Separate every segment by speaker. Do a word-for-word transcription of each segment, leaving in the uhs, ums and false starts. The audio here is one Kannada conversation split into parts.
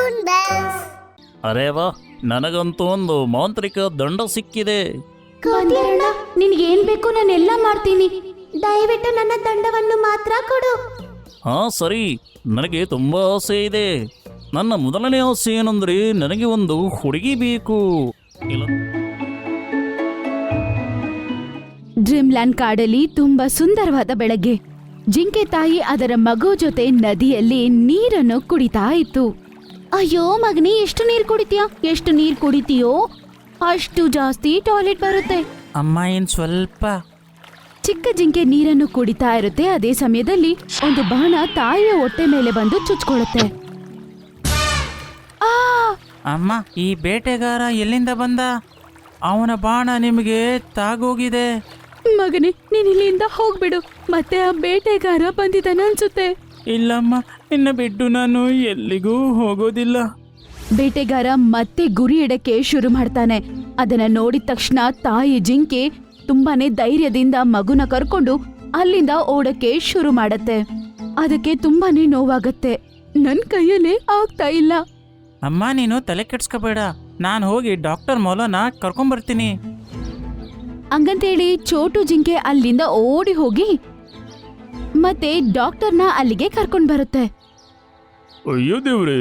Speaker 1: Balloon base.
Speaker 2: ಅರೇ ವಾ, ನನಗಂತೂ ಒಂದು ಮಾಂತ್ರಿಕ ದಂಡ ಸಿಕ್ಕಿದೆ.
Speaker 3: ಕೋತಿಯಣ್ಣ, ನಿನ್ಗೇನ್ ಬೇಕು ನಾನೆಲ್ಲ ಮಾಡ್ತೀನಿ.
Speaker 1: ದಯವಿಟ್ಟು ನನ್ನ ದಂಡವನ್ನು ಮಾತ್ರ ಕೊಡು.
Speaker 2: ಹಾ ಸರಿ, ನನಗೆ ತುಂಬಾ ಆಸೆ ಇದೆ. ನನ್ನ ಮೊದಲನೇ ಆಸೆ ಏನಂದ್ರೆ ನನಗೆ ಒಂದು ಹುಡುಗಿ ಬೇಕು. ಇಲ್ಲ
Speaker 3: ಡ್ರೀಮ್ಲ್ಯಾಂಡ್ ಕಾಡಲ್ಲಿ ತುಂಬಾ ಸುಂದರವಾದ ಬೆಳಗ್ಗೆ. ಜಿಂಕೆ ತಾಯಿ ಅದರ ಮಗು ಜೊತೆ ನದಿಯಲ್ಲಿ ನೀರನ್ನು ಕುಡಿತಾ ಇತ್ತು. ಅಯ್ಯೋ ಮಗನೇ, ಎಷ್ಟು ನೀರ್ ಕುಡಿತೀಯ? ಎಷ್ಟು ನೀರ್ ಕುಡಿತೀಯೋ ಅಷ್ಟು ಜಾಸ್ತಿ ಟಾಯ್ಲೆಟ್ ಬರುತ್ತೆ.
Speaker 2: ಅಮ್ಮ, ಏನ್ ಸ್ವಲ್ಪ.
Speaker 3: ಚಿಕ್ಕ ಜಿಂಕೆ ನೀರನ್ನು ಕುಡಿತಾ ಇರುತ್ತೆ. ಅದೇ ಸಮಯದಲ್ಲಿ ಒಂದು ಬಾಣ ತಾಯಿಯ ಹೊಟ್ಟೆ ಮೇಲೆ ಬಂದು ಚುಚ್ಕೊಳ್ಳುತ್ತೆ. ಆ
Speaker 2: ಅಮ್ಮ, ಈ ಬೇಟೆಗಾರ ಎಲ್ಲಿಂದ ಬಂದ? ಅವನ ಬಾಣ ನಿಮಗೆ ತಾಗೋಗಿದೆ.
Speaker 3: ಮಗನೇ, ನೀನ್ ಇಲ್ಲಿಂದ ಹೋಗ್ಬಿಡು. ಮತ್ತೆ ಆ ಬೇಟೆಗಾರ ಬಂದಿದ್ದಾನೆ ಅನ್ಸುತ್ತೆ.
Speaker 2: ಇಲ್ಲಮ್ಮ, ನಿನ್ನ ಬಿಟ್ಟು ನಾನು ಎಲ್ಲಿಗೂ ಹೋಗೋದಿಲ್ಲ.
Speaker 3: ಬೇಟೆಗಾರ ಮತ್ತೆ ಗುರಿ ಇಡಕ್ಕೆ ಶುರು ಮಾಡ್ತಾನೆ. ಅದನ್ನ ನೋಡಿದ ತಕ್ಷಣ ತಾಯಿ ಜಿಂಕೆ ತುಂಬಾನೇ ಧೈರ್ಯದಿಂದ ಮಗುನ ಕರ್ಕೊಂಡು ಅಲ್ಲಿಂದ ಓಡಕ್ಕೆ ಶುರು ಮಾಡತ್ತೆ. ಅದಕ್ಕೆ ತುಂಬಾನೇ ನೋವಾಗತ್ತೆ. ನನ್ ಕೈಯಲ್ಲೇ ಆಗ್ತಾ ಇಲ್ಲ.
Speaker 2: ಅಮ್ಮ, ನೀನು ತಲೆ ಕೆಡ್ಸ್ಕೋಬೇಡ, ನಾನು ಹೋಗಿ ಡಾಕ್ಟರ್ ಮೌಲನ ಕರ್ಕೊಂಬರ್ತೀನಿ.
Speaker 3: ಹಂಗಂತೇಳಿ ಚೋಟು ಜಿಂಕೆ ಅಲ್ಲಿಂದ ಓಡಿ ಹೋಗಿ ಮತ್ತೆ ಡಾಕ್ಟರ್ನ ಅಲ್ಲಿಗೆ ಕರ್ಕೊಂಡ್ ಬರುತ್ತೆ.
Speaker 4: ಅಯ್ಯೋ ದೇವ್ರೆ,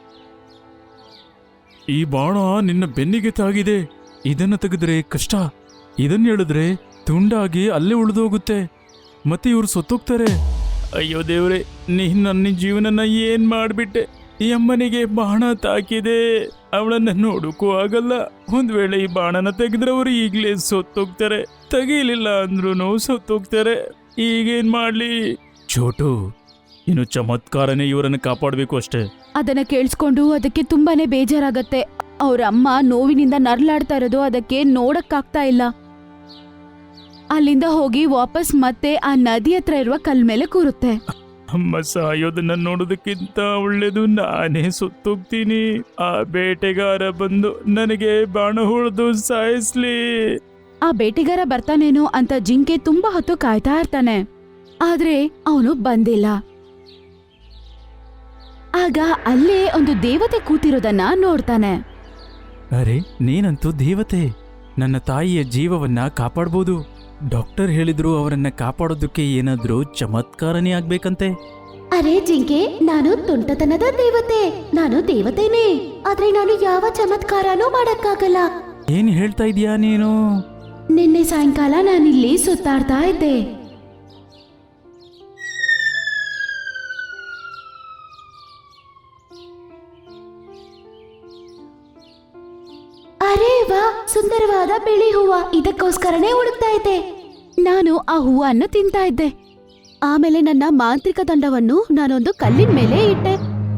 Speaker 4: ಈ ಬಾಣ ನಿನ್ನ ಬೆನ್ನಿಗೆ ತಾಗಿದೆ. ಇದನ್ನ ತೆಗೆದ್ರೆ ಕಷ್ಟ. ಇದನ್ನ ಹೇಳಿದ್ರೆ ತುಂಡಾಗಿ ಅಲ್ಲೇ ಉಳಿದೋಗುತ್ತೆ. ಮತ್ತೆ ಇವ್ರು ಸತ್ತೋಗ್ತಾರೆ. ಅಯ್ಯೋ ದೇವ್ರೆ, ನೀ ನನ್ನ ಜೀವನನ ಏನ್ ಮಾಡ್ಬಿಟ್ಟೆ. ಈ ಅಮ್ಮನಿಗೆ ಬಾಣ ತಾಕಿದೆ, ಅವಳನ್ನ ನೋಡಕ್ಕೂ ಆಗಲ್ಲ. ಒಂದ್ ವೇಳೆ ಈ ಬಾಣನ ತೆಗೆದ್ರೆ ಅವರು ಈಗ್ಲೇ ಸತ್ತೋಗ್ತಾರೆ. ತೆಗೀಲಿಲ್ಲ ಅಂದ್ರೂ ಸತ್ತೋಗ್ತಾರೆ. ಈಗೇನ್ ಮಾಡ್ಲಿ? ಚೋಟು, ಇನ್ನು ಚಮತ್ಕಾರನೇ ಇವರನ್ನು ಕಾಪಾಡಬೇಕು ಅಷ್ಟೇ.
Speaker 3: ಅದನ್ನ ಕೇಳಿಸ್ಕೊಂಡು ಅದಕ್ಕೆ ತುಂಬಾನೇ ಬೇಜಾರಾಗತ್ತೆ. ಅವ್ರ ಅಮ್ಮ ನೋವಿನಿಂದ ನರ್ಲಾಡ್ತಾ ಇರೋದು ಅದಕ್ಕೆ ನೋಡಕ್ಕಾಗ್ತಾ ಇಲ್ಲ. ಅಲ್ಲಿಂದ ಹೋಗಿ ವಾಪಸ್ ಮತ್ತೆ ಆ ನದಿ ಹತ್ರ ಇರುವ ಕಲ್ ಮೇಲೆ ಕೂರುತ್ತೆ.
Speaker 4: ಅಮ್ಮ ಸಾಯೋದನ್ನ ನೋಡೋದಕ್ಕಿಂತ ಒಳ್ಳೇದು ನಾನೇ ಸುತ್ತೋಗ್ತೀನಿ. ಆ ಬೇಟೆಗಾರ ಬಂದು ನನಗೆ ಬಾಣ ಹೊಡೆದು ಸಾಯಿಸ್ಲಿ.
Speaker 3: ಆ ಬೇಟೆಗಾರ ಬರ್ತಾನೇನೋ ಅಂತ ಜಿಂಕೆ ತುಂಬಾ ಹೊತ್ತು ಕಾಯ್ತಾ ಇರ್ತಾನೆ. ಆದ್ರೆ ಅವನು ಬಂದಿಲ್ಲ. ಆಗ ಅಲ್ಲೇ ಒಂದು ದೇವತೆ ಕೂತಿರೋದನ್ನ ನೋಡ್ತಾನೆ.
Speaker 4: ಅರೆ, ನೀನಂತೂ ದೇವತೆ. ನನ್ನ ತಾಯಿಯ ಜೀವವನ್ನ ಕಾಪಾಡ್ಬೋದು. ಡಾಕ್ಟರ್ ಹೇಳಿದ್ರು ಅವರನ್ನ ಕಾಪಾಡೋದಕ್ಕೆ ಏನಾದ್ರೂ ಚಮತ್ಕಾರನೇ ಆಗ್ಬೇಕಂತೆ.
Speaker 1: ಅರೆ ಜಿಂಕೆ, ನಾನು ತುಂಟತನದ ದೇವತೆ. ನಾನು ದೇವತೆನೇ, ಆದ್ರೆ ನಾನು ಯಾವ ಚಮತ್ಕಾರನೂ ಮಾಡಕ್ಕಾಗಲ್ಲ.
Speaker 4: ಏನ್ ಹೇಳ್ತಾ ಇದೀಯಾ ನೀನು?
Speaker 3: ನಿನ್ನೆ ಸಾಯಂಕಾಲ ನಾನಿಲ್ಲಿ ಸುತ್ತಾಡ್ತಾ ಇದ್ದೆ.
Speaker 1: ಅರೇ ವಾ, ಸುಂದರವಾದ ಬಿಳಿ ಹೂವ. ಇದಕ್ಕೋಸ್ಕರನೇ ಹುಡುಕ್ತಾ ಇದ್ದೆ.
Speaker 3: ನಾನು ಆ ಹೂವನ್ನು ತಿಂತಾ ಇದ್ದೆ. ಆಮೇಲೆ ನನ್ನ ಮಾಂತ್ರಿಕ ದಂಡವನ್ನು ನಾನೊಂದು ಕಲ್ಲಿನ ಮೇಲೆ ಇಟ್ಟೆ.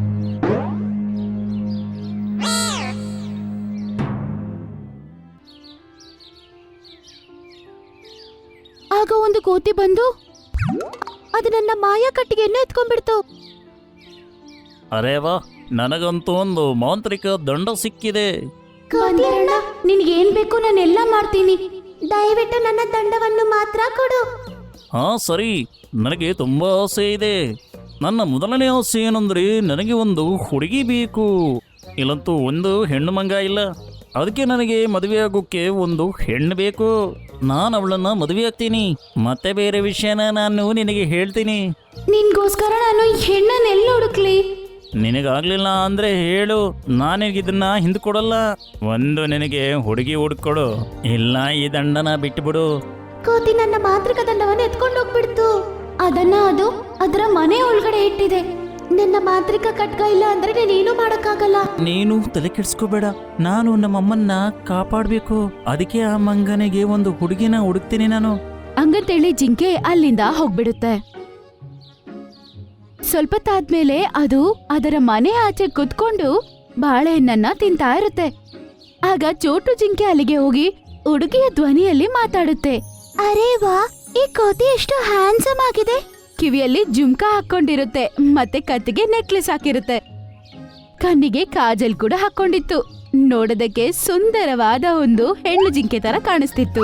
Speaker 3: ಆಗ ಒಂದು ಕೋತಿ ಬಂದು ಅದು ನನ್ನ ಮಾಯಾ ಕಟ್ಟಿಗೆಯನ್ನು ಎತ್ಕೊಂಡ್ಬಿಡ್ತು.
Speaker 2: ಅರೇ ವಾ, ನನಗಂತೂ ಒಂದು ಮಾಂತ್ರಿಕ ದಂಡ ಸಿಕ್ಕಿದೆ.
Speaker 1: ಕೋತಿಯಣ್ಣ,
Speaker 3: ನಿನ್ಗೇನ್ ಬೇಕು ನಾನೆಲ್ಲ ಮಾಡ್ತೀನಿ.
Speaker 1: ದಯವಿಟ್ಟು ನನ್ನ ದಂಡವನ್ನು ಮಾತ್ರ ಕೊಡು.
Speaker 2: ಹಾ ಸರಿ, ನನಗೆ ತುಂಬಾ ಆಸೆ ಇದೆ. ನನ್ನ ಮೊದಲನೇ ಆಸೆ ಏನಂದ್ರೆ ನನಗೆ ಒಂದು ಹುಡುಗಿ ಬೇಕು. ಇಲ್ಲಂತೂ ಒಂದು ಹೆಣ್ಣು ಮಂಗ ಇಲ್ಲ. ಅದಕ್ಕೆ ನನಗೆ ಮದುವೆ ಆಗೋಕ್ಕೆ ಒಂದು ಹೆಣ್ಣು ಬೇಕು. ನಾನು ಅವಳನ್ನ ಮದುವೆ ಆಗ್ತೀನಿ. ಮತ್ತೆ ಬೇರೆ ವಿಷಯನ ನಾನು ನಿನಗೆ ಹೇಳ್ತೀನಿ.
Speaker 3: ನಿನ್ಗೋಸ್ಕರ ನಾನು ಹೆಣ್ಣನ್ನೆಲ್ಲ ಹುಡುಕ್ಲಿ?
Speaker 2: ನಿನಗಾಗ್ಲಿಲ್ಲ ಅಂದ್ರೆ ಹೇಳು, ನಾನಿಗಿದನ್ನ ಹಿಂದೆ ಕೊಡಲ್ಲ. ಒಂದು ನಿನಗೆ ಹುಡುಗಿ ಹುಡುಕೊಡು, ಇಲ್ಲ ಈ ದಂಡನ ಬಿಟ್ಟುಬಿಡು.
Speaker 1: ಕೋತಿ ನನ್ನ ಮಾಂತ್ರಿಕ ದಂಡವನ್ನು ಎತ್ಕೊಂಡು ಹೋಗ್ಬಿಡ್ತು.
Speaker 3: ಅದನ್ನ ಅದು ಅದರ ಮನೆ ಒಳಗಡೆ ಇಟ್ಟಿದೆ.
Speaker 1: ನನ್ನ ಮಾಂತ್ರಿಕ ಖಡ್ಗ ಇಲ್ಲ ಅಂದ್ರೆ ನಾನೇನು ಮಾಡಕ್ಕಾಗಲ್ಲ.
Speaker 2: ನೀನು ತಲೆ ಕೆಡ್ಸ್ಕೋಬೇಡ, ನಾನು ನಮ್ಮಮ್ಮನ್ನ ಕಾಪಾಡ್ಬೇಕು. ಅದಕ್ಕೆ ಆ ಮಂಗನಿಗೆ ಒಂದು ಹುಡುಗಿನ ಹುಡುಕ್ತೀನಿ ನಾನು.
Speaker 3: ಹಂಗಂತೇಳಿ ಜಿಂಕೆ ಅಲ್ಲಿಂದ ಹೋಗ್ಬಿಡುತ್ತೆ. ಸ್ವಲ್ಪ ತಾದ್ಮೇಲೆ ಅದು ಅದರ ಮನೆ ಆಚೆ ಕುತ್ಕೊಂಡು ಬಾಳೆಹಣ್ಣನ್ನ ತಿಂತಾ ಇರುತ್ತೆ. ಆಗ ಚೋಟು ಜಿಂಕೆ ಅಲ್ಲಿಗೆ ಹೋಗಿ ಹುಡುಗಿಯ ಧ್ವನಿಯಲ್ಲಿ ಮಾತಾಡುತ್ತೆ.
Speaker 1: ಅರೇ ವಾ, ಈ ಕೋತಿ ಎಷ್ಟು ಹ್ಯಾಂಡ್ಸಮ್ ಆಗಿದೆ.
Speaker 3: ಕಿವಿಯಲ್ಲಿ ಜುಮ್ಕಾ ಹಾಕೊಂಡಿರುತ್ತೆ, ಮತ್ತೆ ಕತ್ತಿಗೆ ನೆಕ್ಲೆಸ್ ಹಾಕಿರುತ್ತೆ. ಕಣ್ಣಿಗೆ ಕಾಜಲ್ ಕೂಡ ಹಾಕೊಂಡಿತ್ತು. ನೋಡೋದಕ್ಕೆ ಸುಂದರವಾದ ಒಂದು ಹೆಣ್ಣು ಜಿಂಕೆ ತರ ಕಾಣಿಸ್ತಿತ್ತು.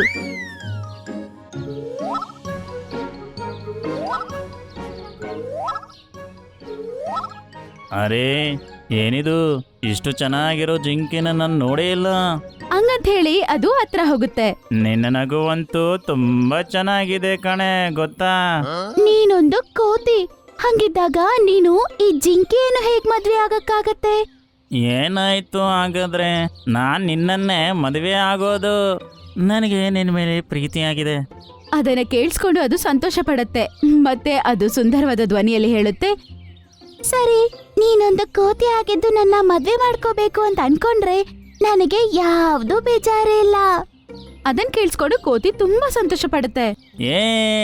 Speaker 2: ಅರೇ ಏನಿದು ಇಷ್ಟು ಚೆನ್ನಾಗಿರೋ ಜಿಂಕೆನ ನಾನು ನೋಡೇ ಇಲ್ಲ.
Speaker 3: ಹಂಗಂತ ಹೇಳಿ ಅದು ಹತ್ರ ಹೋಗುತ್ತೆ.
Speaker 2: ನಿನ್ನ ನಗುವಂತೂ ತುಂಬಾ ಚೆನ್ನಾಗಿದೆ ಕಣೆ, ಗೊತ್ತಾ?
Speaker 1: ನೀನೊಂದು ಕೋತಿ, ಹಂಗಿದ್ದಾಗ ನೀನು ಈ ಜಿಂಕೆಯನ್ನು ಹೇಗ್ ಮದ್ವೆ ಆಗಕ್ಕಾಗತ್ತೆ?
Speaker 2: ಏನಾಯ್ತು ಹಾಗಾದ್ರೆ? ನಾನ್ ನಿನ್ನನ್ನೇ ಮದುವೆ ಆಗೋದು. ನನಗೆ ನಿನ್ನ ಮೇಲೆ ಪ್ರೀತಿಯಾಗಿದೆ.
Speaker 3: ಅದನ್ನ ಕೇಳಿಸ್ಕೊಂಡು ಅದು ಸಂತೋಷ ಪಡುತ್ತೆ. ಮತ್ತೆ ಅದು ಸುಂದರವಾದ ಧ್ವನಿಯಲ್ಲಿ ಹೇಳುತ್ತೆ,
Speaker 1: ಸರಿ, ನೀನೊಂದು ಕೋತಿ ಆಗಿದ್ದು ನನ್ನ ಮದ್ವೆ ಮಾಡ್ಕೋಬೇಕು ಅಂತ ಅನ್ಕೊಂಡ್ರೆ ನನಗೆ ಯಾವ್ದು ಬೇಜಾರೇ ಇಲ್ಲ.
Speaker 3: ಅದನ್ ಕೇಳಿಸ್ಕೊಂಡು ಕೋತಿ ತುಂಬಾ ಸಂತೋಷ ಪಡುತ್ತೆ.
Speaker 2: ಏ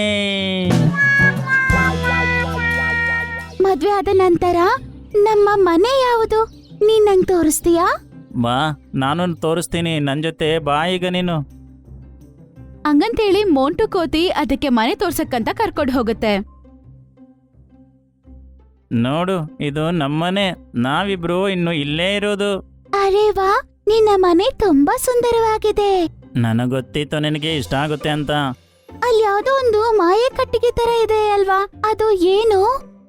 Speaker 1: ಮದ್ವೆ ಆದ ನಂತರ ನಮ್ಮ ಮನೆ ಯಾವುದು? ನೀನ್ ನಂಗೆ ತೋರಿಸ್ತೀಯಾ?
Speaker 2: ಬಾ, ನಾನು ತೋರಿಸ್ತೀನಿ. ನನ್ನ ಜೊತೆ ಬಾ ಈಗ ನೀನು.
Speaker 3: ಹಂಗಂತೇಳಿ ಮೋಂಟು ಕೋತಿ ಅದಕ್ಕೆ ಮನೆ ತೋರ್ಸಕ್ಕಂತ ಕರ್ಕೊಂಡು ಹೋಗುತ್ತೆ.
Speaker 2: ನೋಡು, ಇದು ನಮ್ಮನೆ. ನಾವಿಬ್ರು ಇನ್ನು ಇಲ್ಲೇ ಇರೋದು.
Speaker 1: ಅರೆ ವಾ, ನಿನ್ನ ಮನೆ ತುಂಬಾ ಸುಂದರವಾಗಿದೆ.
Speaker 2: ನನಗೆ ಗೊತ್ತಿತ್ತು ನಿನಗೆ ಇಷ್ಟ ಆಗುತ್ತೆ ಅಂತ.
Speaker 1: ಅಲ್ಲಿ ಯಾವ್ದೋ ಒಂದು ಮಾಯೆ ಕಟ್ಟಿಗೆ ತರ ಇದೆ ಅಲ್ವಾ, ಅದು ಏನು?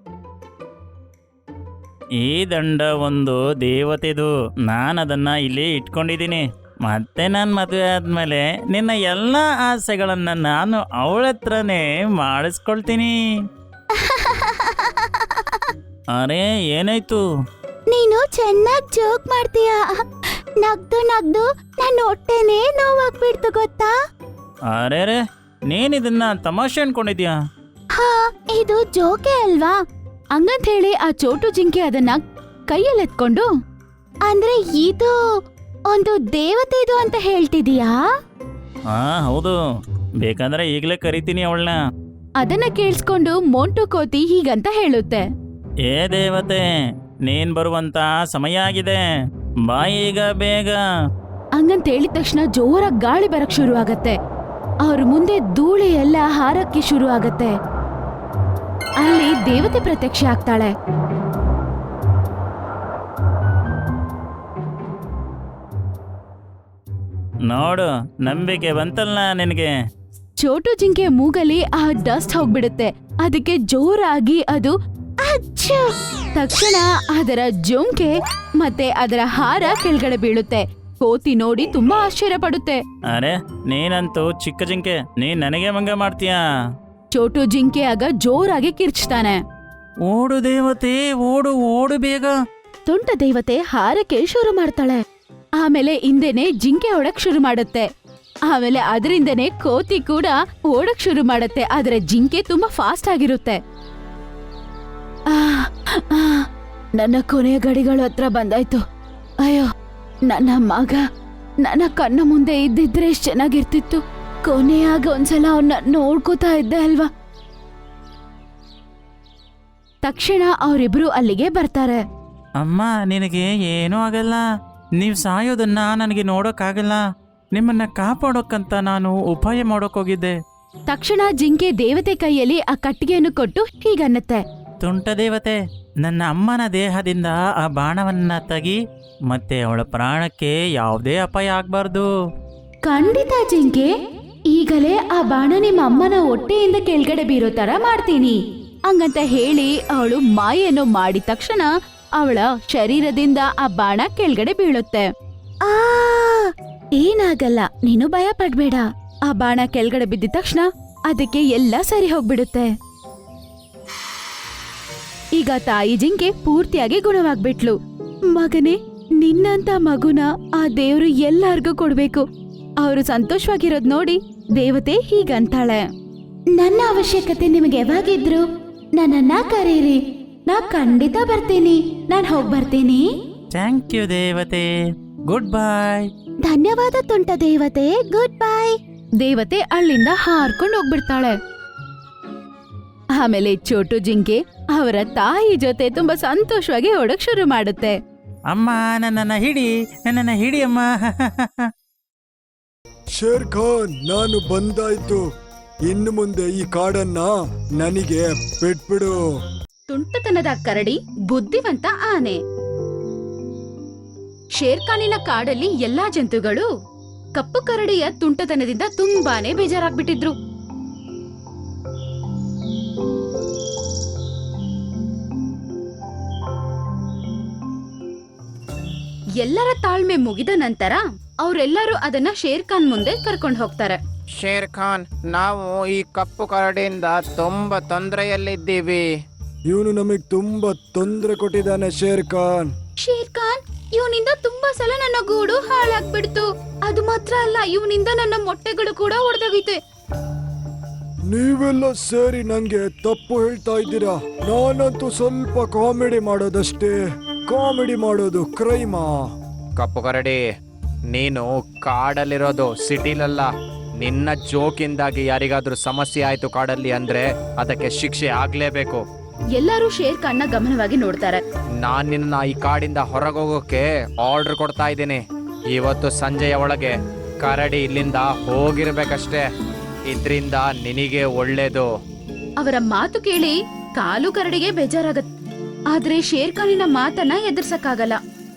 Speaker 2: ಈ ದಂಡ ಒಂದು ದೇವತೆದು. ನಾನು ಅದನ್ನ ಇಲ್ಲಿ ಇಟ್ಕೊಂಡಿದ್ದೀನಿ. ಮತ್ತೆ ನಾನು ಮದುವೆ ಆದ್ಮೇಲೆ ನಿನ್ನ ಎಲ್ಲ ಆಸೆಗಳನ್ನ ನಾನು ಅವಳ ಹತ್ರನೇ ಮಾಡಿಸ್ಕೊಳ್ತೀನಿ. ಅರೆ, ಏನಾಯ್ತು?
Speaker 1: ನೀನು ಚೆನ್ನಾಗ್ ಜೋಕ್ ಮಾಡ್ತೀಯ. ನಗ್ದು ನಗ್ದು ನನ್ನ ಹೊಟ್ಟೆನೇ ನೋವಾಗ್ಬಿಡ್ತು ಗೊತ್ತಾ?
Speaker 2: ಅರೆ ರೇ, ನೀನಿದನ್ನ ತಮಾಷೆ ಅನ್ಕೊಂಡಿದ್ಯಾ?
Speaker 1: ಹಾ, ಇದು ಜೋಕೆ ಅಲ್ವಾ?
Speaker 3: ಹಂಗಂತ ಹೇಳಿ ಆ ಚೋಟು ಜಿಂಕೆ ಅದನ್ನ ಕೈಯಲ್ಲಿ ಎತ್ಕೊಂಡು,
Speaker 1: ಅಂದ್ರೆ ಇದು ಒಂದು ದೇವತೆ ಇದು ಅಂತ ಹೇಳ್ತಿದೀಯಾ?
Speaker 2: ಹಾ ಹೌದು, ಬೇಕಾದ್ರೆ ಈಗಲೇ ಕರಿತೀನಿ ಅವಳನ್ನ.
Speaker 3: ಅದನ್ನ ಕೇಳಿಸ್ಕೊಂಡು ಮೋಂಟು ಕೋತಿ ಹೀಗಂತ ಹೇಳುತ್ತೆ,
Speaker 2: ಏ ದೇವತೆ, ನೀನ್ ಬರುವಂತ ಸಮಯ ಆಗಿದೆ. ಬಾ ಈಗ ಬೇಗ.
Speaker 3: ಹಂಗಂತ ಹೇಳಿದ ತಕ್ಷಣ ಜೋರಾಗಿ ಗಾಳಿ ಬರಕ್ ಶುರು ಆಗತ್ತೆ. ಅವ್ರ ಮುಂದೆ ಧೂಳಿ ಎಲ್ಲ ಹಾರಕ್ಕೆ ಶುರು ಆಗತ್ತೆ. ಅಲ್ಲಿ ದೇವತೆ ಪ್ರತ್ಯಕ್ಷ ಆಗ್ತಾಳೆ.
Speaker 2: ನೋಡು, ನಂಬಿಕೆ ಬಂತಲ್ಲ ನಿನಗೆ.
Speaker 3: ಚೋಟು ಜಿಂಕೆ ಮೂಗಲಿ ಆ ಡಸ್ಟ್ ಹೋಗ್ಬಿಡುತ್ತೆ. ಅದಕ್ಕೆ ಜೋರಾಗಿ ಅದು
Speaker 1: ಅಚ್ಚು!
Speaker 3: ತಕ್ಷಣ ಅದರ ಜೊಂಕೆ ಮತ್ತೆ ಅದರ ಹಾರ ಕೆಳಗಡೆ ಬೀಳುತ್ತೆ. ಕೋತಿ ನೋಡಿ ತುಂಬಾ ಆಶ್ಚರ್ಯ ಪಡುತ್ತೆ.
Speaker 2: ಅರೆ, ನೀನಂತೂ ಚಿಕ್ಕ ಜಿಂಕೆ, ನೀನ್ ನನಗೆ ಮಂಗ ಮಾಡ್ತೀಯಾ?
Speaker 3: ಚೋಟು ಜಿಂಕೆ ಆಗ ಜೋರಾಗಿ ಕಿರ್ಚ್ತಾನೆ.
Speaker 2: ಓಡು ದೇವತೆ, ಓಡು ಓಡು ಬೇಗ.
Speaker 3: ತುಂಟ ದೇವತೆ ಹಾರಕ್ಕೆ ಶುರು ಮಾಡ್ತಾಳೆ. ಆಮೇಲೆ ಹಿಂದೆನೆ ಜಿಂಕೆ ಓಡಕ್ ಶುರು ಮಾಡುತ್ತೆ. ಆಮೇಲೆ ಅದರಿಂದನೇ ಕೋತಿ ಕೂಡ ಓಡಕ್ ಶುರು ಮಾಡುತ್ತೆ. ಆದ್ರೆ ಜಿಂಕೆ ತುಂಬಾ ಫಾಸ್ಟ್ ಆಗಿರುತ್ತೆ. ಆ, ಆ, ನನ್ನ ಕೊನೆಯ ಗಡಿಗಳು ಹತ್ರ ಬಂದಾಯ್ತು. ಅಯ್ಯೋ, ನನ್ನ ಮಗ ನನ್ನ ಕಣ್ಣ ಮುಂದೆ ಇದ್ದಿದ್ರೆ ಎಷ್ಟ್ ಚೆನ್ನಾಗಿರ್ತಿತ್ತು. ಕೊನೆಯಾಗ ಒಂದ್ಸಲ ಅವನ್ನ ನೋಡ್ಕೋತಾ ಇದ್ದೆ ಅಲ್ವಾ. ತಕ್ಷಣ ಅವರಿಬ್ರು ಅಲ್ಲಿಗೆ ಬರ್ತಾರೆ.
Speaker 2: ಅಮ್ಮ, ನಿನಗೆ ಏನೂ ಆಗಲ್ಲ. ನೀವು ಸಾಯೋದನ್ನ ನನಗೆ ನೋಡೋಕ್ಕಾಗಲ್ಲ. ನಿಮ್ಮನ್ನ ಕಾಪಾಡೋಕ್ಕಂತ ನಾನು ಉಪಾಯ ಮಾಡೋಕ್ಕೋಗಿದ್ದೆ.
Speaker 3: ತಕ್ಷಣ ಜಿಂಕೆ ದೇವತೆ ಕೈಯಲ್ಲಿ ಆ ಕಟ್ಟಿಗೆಯನ್ನು ಕೊಟ್ಟು ಹೀಗನ್ನತ್ತೆ,
Speaker 2: ತುಂಟ ದೇವತೆ, ನನ್ನ ಅಮ್ಮನ ದೇಹದಿಂದ ಆ ಬಾಣವನ್ನ ತೆಗಿ. ಮತ್ತೆ ಅವಳ ಪ್ರಾಣಕ್ಕೆ ಯಾವುದೇ ಅಪಾಯ ಆಗ್ಬಾರ್ದು.
Speaker 3: ಖಂಡಿತ ಜಿಂಕೆ, ಈಗಲೇ ಆ ಬಾಣ ನಿಮ್ಮ ಅಮ್ಮನ ಹೊಟ್ಟೆಯಿಂದ ಕೆಳಗಡೆ ಬೀರೋ ತರ ಮಾಡ್ತೀನಿ. ಹಂಗಂತ ಹೇಳಿ ಅವಳು ಮಾಯನ್ನು ಮಾಡಿದ ತಕ್ಷಣ ಅವಳ ಶರೀರದಿಂದ ಆ ಬಾಣ ಕೆಳಗಡೆ ಬೀಳುತ್ತೆ.
Speaker 1: ಆ
Speaker 3: ಏನಾಗಲ್ಲ, ನೀನು ಭಯ ಪಡ್ಬೇಡ. ಆ ಬಾಣ ಕೆಳಗಡೆ ಬಿದ್ದ ತಕ್ಷಣ ಅದಕ್ಕೆ ಎಲ್ಲ ಸರಿ ಹೋಗ್ಬಿಡುತ್ತೆ. ಈಗ ತಾಯಿ ಜಿಂಕೆ ಪೂರ್ತಿಯಾಗಿ ಗುಣವಾಗ್ಬಿಟ್ಲು. ಮಗನೇ, ನಿನ್ನಂತ ಮಗುನ ಆ ದೇವ್ರು ಎಲ್ಲಾರ್ಗೂ ಕೊಡ್ಬೇಕು. ಅವರು ಸಂತೋಷವಾಗಿರೋದ್ ನೋಡಿ ದೇವತೆ ಹೀಗಂತಾಳೆ,
Speaker 1: ನನ್ನ ಅವಶ್ಯಕತೆ ನಿಮಗೆ ಯಾವಾಗಿದ್ರು ನನ್ನನ್ನ ಕರೀರಿ, ನಾ ಖಂಡಿತ ಬರ್ತೀನಿ. ನಾನ್ ಹೋಗ್ ಬರ್ತೀನಿ.
Speaker 2: ಥ್ಯಾಂಕ್ ಯು ದೇವತೆ, ಗುಡ್ ಬಾಯ್.
Speaker 1: ಧನ್ಯವಾದ ತುಂಟ ದೇವತೆ, ಗುಡ್ ಬೈ.
Speaker 3: ದೇವತೆ ಅಲ್ಲಿಂದ ಹಾರ್ಕೊಂಡು ಹೋಗ್ಬಿಡ್ತಾಳೆ. ಆಮೇಲೆ ಚೋಟು ಜಿಂಕೆ ಅವರ ತಾಯಿ ಜೊತೆ ತುಂಬಾ ಸಂತೋಷವಾಗಿ ಓಡಕ್ ಶುರು ಮಾಡುತ್ತೆ.
Speaker 2: ಅಮ್ಮ, ನನ್ನನ್ನ ಹಿಡಿ, ನನ್ನನ್ನ ಹಿಡಿ ಅಮ್ಮ.
Speaker 5: ಶೇರ್ ಖಾನ್, ನಾನು ಬಂದಾಯ್ತು. ಇನ್ನು ಮುಂದೆ ಈ ಕಾಡನ್ನ ನನಗೆ ಬಿಟ್ಬಿಡು.
Speaker 3: ತುಂಟತನದ ಕರಡಿ, ಬುದ್ಧಿವಂತ ಆನೆ. ಶೇರ್ಖಾನಿನ ಕಾಡಲ್ಲಿ ಎಲ್ಲಾ ಜಂತುಗಳು ಕಪ್ಪು ಕರಡಿಯ ತುಂಟತನದಿಂದ ತುಂಬಾನೇ ಬೇಜಾರಾಗ್ಬಿಟ್ಟಿದ್ರು. ಎಲ್ಲರ ತಾಳ್ಮೆ ಮುಗಿದ ನಂತರ ಅವರೆಲ್ಲರೂ ಅದನ್ನ ಶೇರ್ ಖಾನ್ ಮುಂದೆ ಕರ್ಕೊಂಡು ಹೋಗ್ತಾರೆ.
Speaker 6: ಶೇರ್ ಖಾನ್, ನಾವು ಈ ಕಪ್ಪು ಕರಡಿಯಿಂದ ತುಂಬಾ ತೊಂದರೆಯಲ್ಲಿದ್ದೀವಿ.
Speaker 5: ಇವನು ನಮಗ್ ತುಂಬಾ ತೊಂದರೆ ಕೊಟ್ಟಿದ್ದಾನೆ ಶೇರ್ ಖಾನ್.
Speaker 3: ಶೇರ್ ಖಾನ್, ಇವನಿಂದ ತುಂಬಾ ಸಲ ನನ್ನ ಗೂಡು ಹಾಳಾಗ್ಬಿಡ್ತು. ಅದು ಮಾತ್ರ ಅಲ್ಲ, ಇವನಿಂದ ನನ್ನ ಮೊಟ್ಟೆಗಳು ಕೂಡ ಒಡೆದೋಗಿತೆ.
Speaker 5: ನೀವೆಲ್ಲ ಸೇರಿ ನಂಗೆ ತಪ್ಪು ಹೇಳ್ತಾ ಇದ್ದೀರಾ. ನಾನಂತೂ ಸ್ವಲ್ಪ ಕಾಮಿಡಿ ಮಾಡೋದಷ್ಟೇ. ಕಾಮಿಡಿ ಮಾಡೋದು ಕ್ರೈಮಾ?
Speaker 6: ಕಪ್ಪು ಕರಡಿ, ನೀನು ಕಾಡಲ್ಲಿರೋದು ಸಿಟಿಲಲ್ಲ. ನಿನ್ನ ಜೋಕಿಂದಾಗಿ ಯಾರಿಗಾದ್ರೂ ಸಮಸ್ಯೆ ಆಯ್ತು ಕಾಡಲ್ಲಿ ಅಂದ್ರೆ ಅದಕ್ಕೆ ಶಿಕ್ಷೆ ಆಗ್ಲೇಬೇಕು.
Speaker 3: ಎಲ್ಲರೂ ಶೇರ್ ಖಾನ್ನ ಗಮನವಾಗಿ ನೋಡ್ತಾರೆ.
Speaker 6: ನಾನ್ ನಿನ್ನ ಈ ಕಾಡಿಂದ ಹೊರಗೋಗೋಕೆ ಆರ್ಡರ್ ಕೊಡ್ತಾ ಇದ್ದೀನಿ. ಇವತ್ತು ಸಂಜೆಯ ಒಳಗೆ ಕರಡಿ ಇಲ್ಲಿಂದ ಹೋಗಿರ್ಬೇಕಷ್ಟೇ. ಇದ್ರಿಂದ ನಿನಗೆ ಒಳ್ಳೇದು.
Speaker 3: ಅವರ ಮಾತು ಕೇಳಿ ಕಾಲು ಕರಡಿಗೆ ಬೇಜಾರಾಗತ್ತೆ. ಆದ್ರೆ ಶೇರ್ ಖಾನಿನ ಮಾತನ್ನ ಎದುರ್ಸಕ್ಕಾಗಲ್ಲ.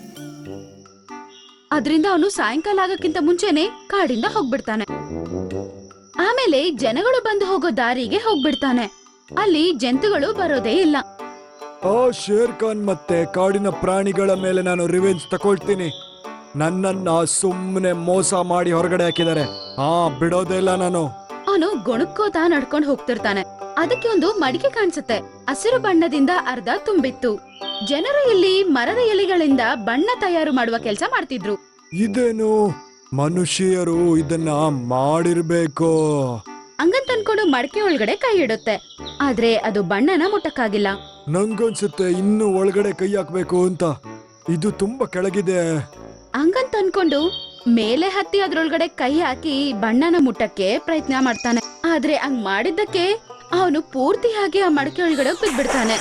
Speaker 3: ಅದ್ರಿಂದ ಅವನು ಸಾಯಂಕಾಲ ಆಗಕ್ಕಿಂತ ಮುಂಚೆನೆ ಕಾಡಿಂದ ಹೋಗ್ಬಿಡ್ತಾನೆ. ಆಮೇಲೆ ಜನಗಳು ಬಂದು ಹೋಗೋ ದಾರಿಗೆ ಹೋಗ್ಬಿಡ್ತಾನೆ. ಅಲ್ಲಿ ಜಂತುಗಳು ಬರೋದೇ ಇಲ್ಲ.
Speaker 5: ಆ ಶೇರ್ ಖಾನ್ ಮತ್ತೆ ಕಾಡಿನ ಪ್ರಾಣಿಗಳ ಮೇಲೆ ನಾನು ರಿವೆಂಜ್ ತಕೊಳ್ತೀನಿ. ನನ್ನನ್ನ ಸುಮ್ಮನೆ ಮೋಸ ಮಾಡಿ ಹೊರಗಡೆ ಹಾಕಿದ್ದಾರೆ. ಹಾ, ಬಿಡೋದೇ ಇಲ್ಲ ನಾನು.
Speaker 3: ಅವನು ಗೊಣಕ್ಕೋತಾ ನಡ್ಕೊಂಡು ಹೋಗ್ತಿರ್ತಾನೆ. ಅದಕ್ಕೆ ಒಂದು ಮಡಿಕೆ ಕಾಣಿಸುತ್ತೆ. ಹಸಿರು ಬಣ್ಣದಿಂದ ಅರ್ಧ ತುಂಬಿತ್ತು. ಜನರು ಇಲ್ಲಿ ಮರದ ಎಲೆಗಳಿಂದ ಬಣ್ಣ ತಯಾರು ಮಾಡುವ ಕೆಲಸ ಮಾಡ್ತಿದ್ರು.
Speaker 5: ಇದೇನು ಮನುಷ್ಯರು ಇದನ್ನ ಮಾಡಿರ್ಬೇಕು.
Speaker 3: ಹಂಗಂತ ಅನ್ಕೊಂಡು ಮಡಕೆ ಒಳಗಡೆ ಕೈ ಇಡುತ್ತೆ. ಆದ್ರೆ ಅದು ಬಣ್ಣನ ಮುಟ್ಟಕ್ಕಾಗಿಲ್ಲ.
Speaker 5: ನಂಗನ್ಸುತ್ತೆ ಇನ್ನು ಒಳಗಡೆ ಕೈ ಹಾಕ್ಬೇಕು ಅಂತ. ಇದು ತುಂಬಾ ಕೆಳಗಿದೆ.
Speaker 3: ಹಂಗಂತ ಅನ್ಕೊಂಡು ಮೇಲೆ ಹತ್ತಿ ಅದ್ರೊಳಗಡೆ ಕೈ ಹಾಕಿ ಬಣ್ಣನ ಮುಟ್ಟಕ್ಕೆ ಪ್ರಯತ್ನ ಮಾಡ್ತಾನೆ. ಆದ್ರೆ ಹಂಗ್ ಮಾಡಿದ್ದಕ್ಕೆ ಅವನು ಪೂರ್ತಿಯಾಗಿ ಆ ಮಡಕೆ ಒಳಗಡೆ ಬಿದ್ಬಿಡ್ತಾನೆ.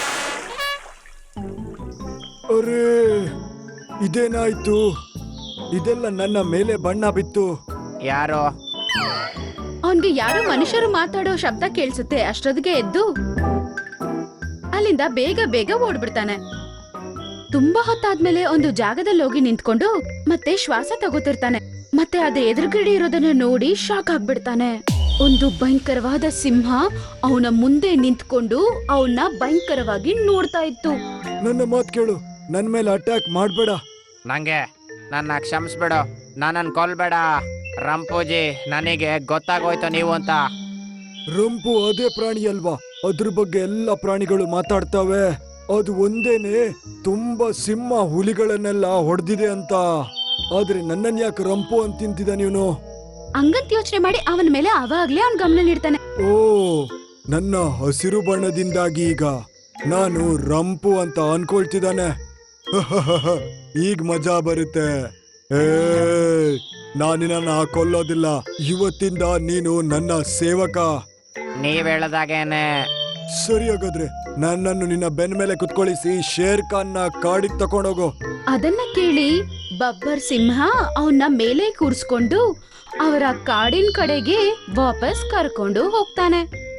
Speaker 5: ಅರೇ, ಇದೇನಾಯ್ತು? ಇದೆಲ್ಲ ನನ್ನ ಮೇಲೆ ಬಣ್ಣ ಬಿತ್ತು.
Speaker 6: ಯಾರು?
Speaker 3: ಅವನ್ಗೆ ಯಾರೋ ಮನುಷ್ಯರು ಮಾತಾಡೋ ಶಬ್ದ ಕೇಳಿಸುತ್ತೆ. ಅಷ್ಟೊತ್ತಿಗೆ ಎದ್ದು ಅಲ್ಲಿಂದ ಬೇಗ ಬೇಗ ಓಡ್ಬಿಡ್ತಾನೆ. ತುಂಬಾ ಹೊತ್ತಾದ್ಮೇಲೆ ಒಂದು ಜಾಗದಲ್ಲಿ ಹೋಗಿ ನಿಂತ್ಕೊಂಡು ಮತ್ತೆ ಶ್ವಾಸ ತಗೋತಿರ್ತಾನೆ. ಮತ್ತೆ ಅದ್ರ ಎದುರುಗಡೆ ಇರೋದನ್ನ ನೋಡಿ ಶಾಕ್ ಆಗ್ಬಿಡ್ತಾನೆ. ಒಂದು ಭಯಂಕರವಾದ ಸಿಂಹ ಅವನ ಮುಂದೆ ನಿಂತ್ಕೊಂಡು ಅವನ್ನ ಭಯಂಕರವಾಗಿ ನೋಡ್ತಾ ಇತ್ತು.
Speaker 5: ನನ್ನ ಮಾತ್ ಕೇಳು, ನನ್ ಮೇಲೆ ಅಟ್ಯಾಕ್ ಮಾಡ್ಬೇಡ.
Speaker 6: ನಂಗೆ ನನ್ನ ಕ್ಷಮಿಸ್ಬಿಡು. ನನ್ನನ್ನು ಕೊಲ್ಬೇಡ ರಂಪೂಜಿ. ನನಗೆ ಗೊತ್ತಾಗೋಯ್ತು ನೀವು ಅಂತ.
Speaker 5: ರಂಪು ಅದೇ ಪ್ರಾಣಿ ಅಲ್ವಾ? ಅದ್ರ ಬಗ್ಗೆ ಎಲ್ಲ ಪ್ರಾಣಿಗಳು ಮಾತಾಡ್ತವೆ. ಅದು ಒಂದೇನೆ ತುಂಬಾ ಸಿಂಹ ಹುಲಿಗಳನ್ನೆಲ್ಲ ಹೊಡೆದಿದೆ ಅಂತ. ಆದ್ರೆ ನನ್ನನ್ ಯಾಕೆ ರಂಪು ಅಂತ ತಿಂತಿದ ನೀನು?
Speaker 3: ಹಂಗಂತ ಯೋಚನೆ ಮಾಡಿ ಅವನ ಮೇಲೆ ಅವಾಗ್ಲೇ ಅವನ್ ಗಮನ ನೀಡ್ತಾನೆ.
Speaker 5: ಓ, ನನ್ನ ಹಸಿರು ಬಣ್ಣದಿಂದಾಗಿ ಈಗ ನಾನು ರಂಪು ಅಂತ ಅನ್ಕೊಳ್ತಿದ್ದಾನೆ. ಈಗ ಮಜಾ ಬರುತ್ತೆ. ಏ, ನಾನಿನ್ನ ಕೊಲ್ಲೋದಿಲ್ಲ. ಇವತ್ತಿಂದ ನೀನು ನನ್ನ ಸೇವಕ.
Speaker 6: ನೀವ್ ಹೇಳದಾಗೇನೆ.
Speaker 5: ಸರಿ, ಹಾಗಾದ್ರೆ ನನ್ನನ್ನು ನಿನ್ನ ಬೆನ್ ಮೇಲೆ ಕುತ್ಕೊಳಿಸಿ ಶೇರ್ ಖಾನ್ನ ಕಾಡಿಗೆ ತಕೊಂಡೋಗು.
Speaker 3: ಅದನ್ನ ಕೇಳಿ ಬಬ್ಬರ್ ಸಿಂಹ ಅವನ್ನ ಮೇಲೆ ಕೂರ್ಸ್ಕೊಂಡು ಅವರ ಕಾಡಿನ ಕಡೆಗೆ ವಾಪಸ್ ಕರ್ಕೊಂಡು ಹೋಗ್ತಾನೆ.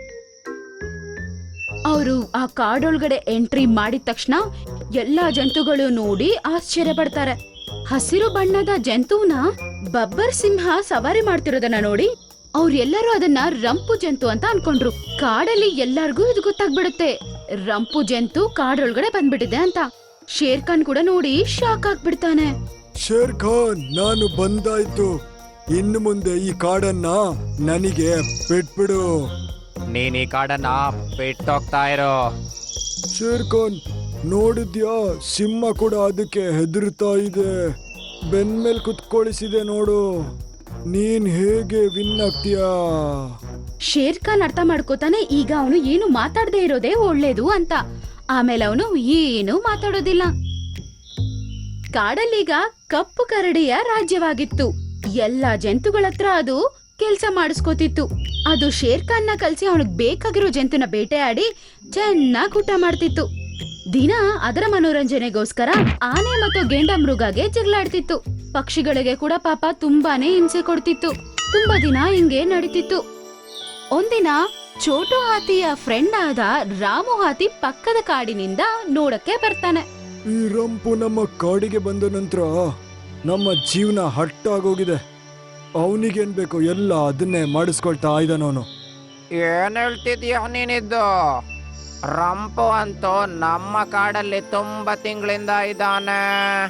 Speaker 3: ಅವರು ಆ ಕಾಡೊಳಗಡೆ ಎಂಟ್ರಿ ಮಾಡಿದ ತಕ್ಷಣ ಎಲ್ಲಾ ಜಂತುಗಳು ನೋಡಿ ಆಶ್ಚರ್ಯ ಪಡ್ತಾರೆ. ಹಸಿರು ಬಣ್ಣದ ಜಂತುನ ಬಬ್ಬರ್ ಸಿಂಹ ಸವಾರಿ ಮಾಡ್ತಿರೋದನ್ನ ನೋಡಿ ಅವ್ರೆಲ್ಲರೂ ಅದನ್ನ ರಂಪು ಜಂತು ಅಂತ ಅನ್ಕೊಂಡ್ರು. ಕಾಡಲ್ಲಿ ಎಲ್ಲರಿಗೂ ಇದು ಗೊತ್ತಾಗ್ಬಿಡುತ್ತೆ, ರಂಪು ಜಂತು ಕಾಡೊಳಗಡೆ ಬಂದ್ಬಿಟ್ಟಿದೆ ಅಂತ. ಶೇರ್ ಖಾನ್ ಕೂಡ ನೋಡಿ ಶಾಕ್ ಆಗ್ಬಿಡ್ತಾನೆ.
Speaker 5: ಶೇರ್ ಖಾನ್, ನಾನು ಬಂದಾಯ್ತು. ಇನ್ನು ಮುಂದೆ ಈ ಕಾಡನ್ನ ನನಗೆ ಬಿಟ್ಬಿಡು.
Speaker 6: ನೀನ್ ಈ ಕಾಡನ್ನ ಬಿಟ್ಟೋಗ್ತಾ ಇರೋ.
Speaker 5: ಶೇರ್ ಖಾನ್, ನೋಡಿದ್ಯಾ? ಸಿಂಹ ಕೂಡ ಅದಕ್ಕೆ ಹೆದರ್ತಾ ಇದೆ. ಬೆನ್ ಮೇಲ್ ಕುತ್ಕೊಳಿಸಿದೆ ನೋಡು. ನೀನ್ ಹೇಗೆ ವಿನ್ ಆಗ್ತೀಯಾ?
Speaker 3: ಶೇರ್ ಖಾನ್ ಅರ್ಥ ಮಾಡ್ಕೋತಾನೆ ಈಗ ಅವನು ಏನು ಮಾತಾಡದೆ ಇರೋದೇ ಒಳ್ಳೇದು ಅಂತ. ಆಮೇಲೆ ಅವನು ಏನು ಮಾತಾಡೋದಿಲ್ಲ. ಕಾಡಲ್ಲೀಗ ಕಪ್ಪು ಕರಡಿಯ ರಾಜ್ಯವಾಗಿತ್ತು. ಎಲ್ಲಾ ಜಂತುಗಳ ಹತ್ರ ಅದು ಕೆಲ್ಸ ಮಾಡಿಸ್ಕೋತಿತ್ತು. ಅದು ಶೇರ್ ಖಾನ್ನ ಕಲ್ಸಿ ಅವನಿಗೆ ಬೇಕಾಗಿರೋ ಜಂತುನ ಬೇಟೆಯಾಡಿ ಚೆನ್ನಾಗಿ ಊಟ ಮಾಡ್ತಿತ್ತು. ದಿನ ಅದರ ಮನೋರಂಜನೆಗೋಸ್ಕರ ಆನೆ ಮತ್ತು ಗೆಂಡ ಮೃಗಗೆ ಜಗಳಾಡ್ತಿತ್ತು. ಪಕ್ಷಿಗಳಿಗೆ ಕೂಡ ಪಾಪ ತುಂಬಾನೇ ಹಿಂಸೆ ಕೊಡ್ತಿತ್ತು. ತುಂಬಾ ದಿನ ಹಿಂಗೆ ನಡೀತಿತ್ತು. ಒಂದಿನ ಚೋಟು ಹಾತಿಯ ಫ್ರೆಂಡ್ ಆದ ರಾಮು ಹಾತಿ ಪಕ್ಕದ ಕಾಡಿನಿಂದ ನೋಡಕ್ಕೆ ಬರ್ತಾನೆ.
Speaker 5: ಈ ರಂಪು ನಮ್ಮ ಕಾಡಿಗೆ ಬಂದ ನಂತರ ನಮ್ಮ ಜೀವನ ಹಟ್ಟಾಗೋಗಿದೆ. ಅವನಿಗೇನ್ ಬೇಕು ಎಲ್ಲ ಅದನ್ನೇ ಮಾಡಿಸ್ಕೊಳ್ತಾ ಇದ್ದಾನವನು.
Speaker 6: ಏನ್ ಹೇಳ್ತಿದ್ಯಾ ನೀನಿದ್ದು? ರಂಪು ಅಂತೂ ನಮ್ಮ ಕಾಡಲ್ಲಿ ತುಂಬಾ ತಿಂಗಳಿಂದ ಇದ್ದಾನೆ.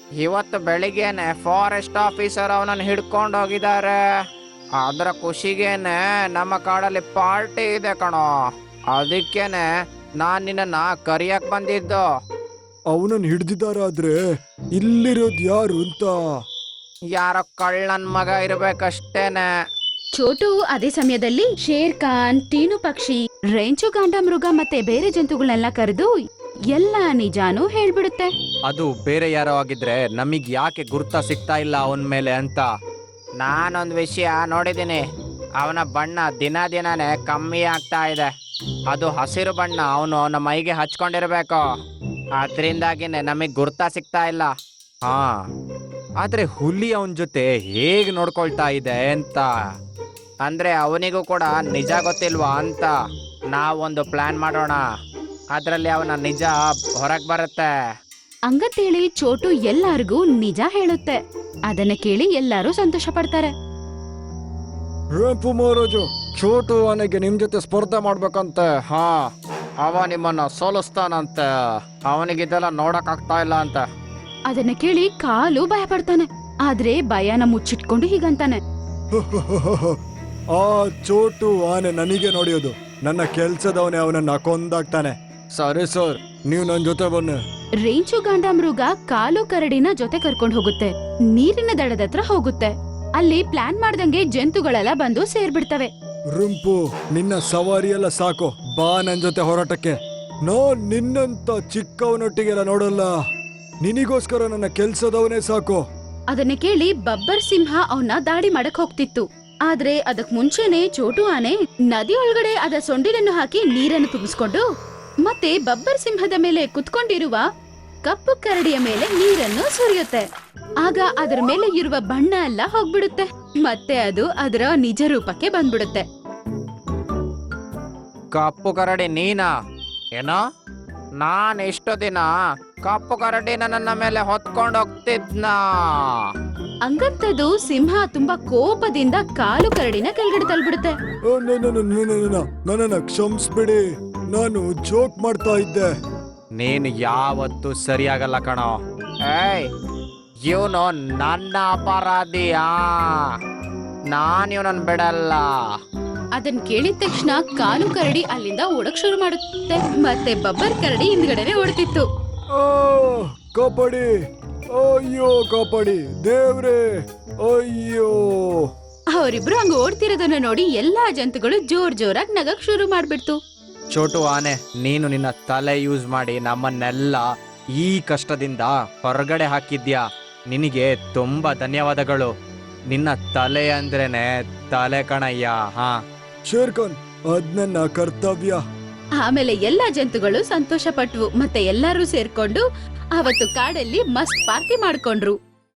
Speaker 6: ಇವತ್ತು ಬೆಳಿಗ್ಗೆನೆ ಫಾರೆಸ್ಟ್ ಆಫೀಸರ್ ಅವನನ್ನು ಹಿಡ್ಕೊಂಡು ಹೋಗಿದ್ದಾರೆ. ಅದರ ಖುಷಿಗೇನೆ ನಮ್ಮ ಕಾಡಲ್ಲಿ ಪಾರ್ಟಿ ಇದೆ ಕಣೋ. ಅದಕ್ಕೇನೆ ನಾನ್ ನಿನ್ನ ಕರಿಯಕ್ ಬಂದಿದ್ದು.
Speaker 5: ಅವನನ್ನು ಹಿಡ್ದಿದ್ದಾರಾದ್ರೆ ಇಲ್ಲಿರೋದ್ ಯಾರು ಅಂತ?
Speaker 6: ಯಾರೋ ಕಳ್ಳನ್ ಮಗ ಇರ್ಬೇಕಷ್ಟೇನೆ.
Speaker 3: ಚೋಟು ಅದೇ ಸಮಯದಲ್ಲಿ ಶೇರ್ ಖಾನ್, ಟೀನು ಪಕ್ಷಿ, ರೇಂಚು ಗಾಂಡಮೃಗ ಮತ್ತೆ ಬೇರೆ ಜಂತುಗಳನ್ನೆಲ್ಲ ಕರೆದು ಎಲ್ಲ ನಿಜಾನೂ ಹೇಳ್ಬಿಡುತ್ತೆ.
Speaker 6: ಅದು ಬೇರೆ ಯಾರೋ ಆಗಿದ್ರೆ ನಮಗ್ ಯಾಕೆ ಗುರ್ತ ಸಿಗ್ತಾ ಇಲ್ಲ ಅವನ ಮೇಲೆ ಅಂತ. ನಾನೊಂದ್ ವಿಷಯ ನೋಡಿದ್ದೀನಿ. ಅವನ ಬಣ್ಣ ದಿನ ದಿನಾನೇ ಕಮ್ಮಿ ಆಗ್ತಾ ಇದೆ. ಅದು ಹಸಿರು ಬಣ್ಣ ಅವನು ಅವನ ಮೈಗೆ ಹಚ್ಕೊಂಡಿರ್ಬೇಕು. ಅದ್ರಿಂದಾಗಿನೇ ನಮಗ್ ಗುರ್ತ ಸಿಗ್ತಾ ಇಲ್ಲ. ಹಾ, ಆದ್ರೆ ಹುಲಿ ಅವನ ಜೊತೆ ಹೇಗ್ ನೋಡ್ಕೊಳ್ತಾ ಇದೆ ಅಂತ ಅಂದ್ರೆ ಅವನಿಗೂ ಕೂಡ ನಿಜ ಗೊತ್ತಿಲ್ವಾ ಅಂತ. ನಾವೊಂದು ಪ್ಲಾನ್ ಮಾಡೋಣ. ಅದ್ರಲ್ಲಿ ಅವನ ನಿಜ ಹೊರಗ್ ಬರುತ್ತೆ.
Speaker 3: ಹಂಗಂತೇಳಿ ಚೋಟು ಎಲ್ಲಾರ್ಗೂ ನಿಜ ಹೇಳುತ್ತೆ. ಅದನ್ನ ಕೇಳಿ ಎಲ್ಲರೂ ಸಂತೋಷ ಪಡ್ತಾರೆ.
Speaker 5: ರಂಪು ಮಹಾರಾಜು, ಚೋಟು ಆನೆಗೆ ನಿಮ್ ಜೊತೆ ಸ್ಪರ್ಧೆ ಮಾಡ್ಬೇಕಂತೆ.
Speaker 6: ಹಾ, ಅವ ನಿಮ್ಮನ್ನ ಸೋಲಿಸ್ತಾನಂತೆ. ಅವನಿಗಿದೆಲ್ಲ ನೋಡಕ್ ಆಗ್ತಾ ಇಲ್ಲ ಅಂತ.
Speaker 3: ಅದನ್ನ ಕೇಳಿ ಕಾಲು ಭಯ ಪಡ್ತಾನೆ. ಆದ್ರೆ ಭಯನ ಮುಚ್ಚಿಟ್ಕೊಂಡು ಹೀಗಂತಾನೆ,
Speaker 5: ಆ ಚೋಟು ಆನೆ ನನಗೆ ನೋಡಿಯೋದು. ನನ್ನ ಕೆಲ್ಸದವನೇ ಅವನನ್ನ ಕೊಂದಾಗ್ತಾನೆ. ಸರಿ ಸರ್, ನೀವು ನನ್ನ ಜೊತೆ ಬನ್ನಿ.
Speaker 3: ರೇಂಚು ಗಾಂಡಮೃಗ ಕಾಲು ಕರಡಿನ ಜೊತೆ ಕರ್ಕೊಂಡು ಹೋಗುತ್ತೆ. ನೀರಿನ ದಡದ ಹತ್ರ ಹೋಗುತ್ತೆ. ಅಲ್ಲಿ ಪ್ಲಾನ್ ಮಾಡ್ದಂಗೆ ಜಂತುಗಳೆಲ್ಲ ಬಂದು ಸೇರ್ಬಿಡ್ತವೆ.
Speaker 5: ರುಂಪು, ನಿನ್ನ ಸವಾರಿ ಎಲ್ಲ ಸಾಕು, ಬಾ ನನ್ ಜೊತೆ ಹೋರಾಟಕ್ಕೆ. ನಾನ್ ನಿನ್ನಂತ ಚಿಕ್ಕವನೊಟ್ಟಿಗೆಲ್ಲ ನೋಡಲ್ಲ. ನಿನಿಗೋಸ್ಕರ ನನ್ನ ಕೆಲ್ಸದವನೇ ಸಾಕು.
Speaker 3: ಅದನ್ನ ಕೇಳಿ ಬಬ್ಬರ್ ಸಿಂಹ ಅವನ್ನ ದಾಳಿ ಮಾಡಕ್ ಹೋಗ್ತಿತ್ತು. ಆದ್ರೆ ಅದಕ್ ಮುಂಚೆನೆ ಚೋಟು ಆನೆ ನದಿ ಒಳಗಡೆ ಅದ ಸೊಂಡಿಲನ್ನು ಹಾಕಿ ನೀರನ್ನು ತುಂಬಿಸ್ಕೊಂಡು ಮತ್ತೆ ಬಬ್ಬರ್ ಸಿಂಹದ ಮೇಲೆ ಕುತ್ಕೊಂಡಿರುವ ಕಪ್ಪು ಕರಡಿಯ ಮೇಲೆ ನೀರನ್ನು ಸುರಿಯುತ್ತೆ. ಆಗ ಅದರ ಮೇಲೆ ಇರುವ ಬಣ್ಣ ಎಲ್ಲ ಹೋಗ್ಬಿಡುತ್ತೆ. ಮತ್ತೆ ಅದು ಅದರ ನಿಜ ರೂಪಕ್ಕೆ ಬಂದ್ಬಿಡುತ್ತೆ.
Speaker 6: ಕಪ್ಪು ಕರಡಿ ನೀನಾ? ಏನೋ, ನಾನ್ ಎಷ್ಟು ದಿನ ಕಪ್ಪು ಕರಡಿನ ನನ್ನ ಮೇಲೆ ಹೊತ್ಕೊಂಡು ಹೋಗ್ತಿದ್ನಾ?
Speaker 3: ಹಂಗಂತದು ಸಿಂಹ ತುಂಬಾ ಕೋಪದಿಂದ ಕಾಲು ಕರಡಿನ ಕೆಳಗಡೆ ತಳ್ಬಿಡುತ್ತೆ.
Speaker 5: ಓ, ನ- ನ- ನ- ನ- ನ- ನ- ನನ್ನನ್ನ ಕ್ಷಮಿಸ್ಬಿಡಿ, ನಾನು ಜೋಕ್ ಮಾಡ್ತಾ ಇದ್ದೆ.
Speaker 6: ನೀನು ಯಾವತ್ತೂ ಸರಿಯಾಗಲ್ಲ ಕಣೋ. ಏಯ್, ಇವನು ನನ್ನ ಅಪರಾಧಿಯಾ? ನಾನ್ ಇವನನ್ನ ಬಿಡಲ್ಲ.
Speaker 3: ಅದನ್ ಕೇಳಿದ ತಕ್ಷಣ ಕಾಲು ಕರಡಿ ಅಲ್ಲಿಂದ ಓಡಕ್ ಶುರು ಮಾಡುತ್ತೆ. ಮತ್ತೆ ಬಬ್ಬರ್ ಕರಡಿ ಹಿಂದ್ಗಡೆನೆ ಓಡ್ತಿತ್ತು.
Speaker 5: ಓ, ಕಾಪಾಡಿ, ಅಯ್ಯೋ ಕಾಪಾಡಿ ದೇವ್ರೆ, ಅಯ್ಯೋ.
Speaker 3: ಅವರಿಬ್ರು ಹಂಗ ಓಡ್ತಿರೋದನ್ನ ನೋಡಿ ಎಲ್ಲಾ ಜಂತುಗಳು ಜೋರ್ ಜೋರಾಗಿ ನಗಕ್ ಶುರು ಮಾಡ್ಬಿಡ್ತು.
Speaker 6: ಚೋಟು ಆನೆ, ನೀನು ನಿನ್ನ ತಲೆ ಯೂಸ್ ಮಾಡಿ ನಮ್ಮನ್ನೆಲ್ಲ ಈ ಕಷ್ಟದಿಂದ ಹೊರಗಡೆ ಹಾಕಿದ್ಯಾ. ನಿನಗೆ ತುಂಬಾ ಧನ್ಯವಾದಗಳು. ನಿನ್ನ ತಲೆ ಅಂದ್ರೇನೆ ತಲೆ ಕಣಯ್ಯ. ಹಾ,
Speaker 5: ಶೇರ್ಖಾನ್, ಅದ್ ನನ್ನ ಕರ್ತವ್ಯ.
Speaker 3: ಆಮೇಲೆ ಎಲ್ಲಾ ಜಂತುಗಳು ಸಂತೋಷ ಪಟ್ವು. ಮತ್ತೆ ಎಲ್ಲರೂ ಸೇರ್ಕೊಂಡು ಅವತ್ತು ಕಾಡಲ್ಲಿ ಮಸ್ತ್ ಪಾರ್ಟಿ ಮಾಡ್ಕೊಂಡ್ರು.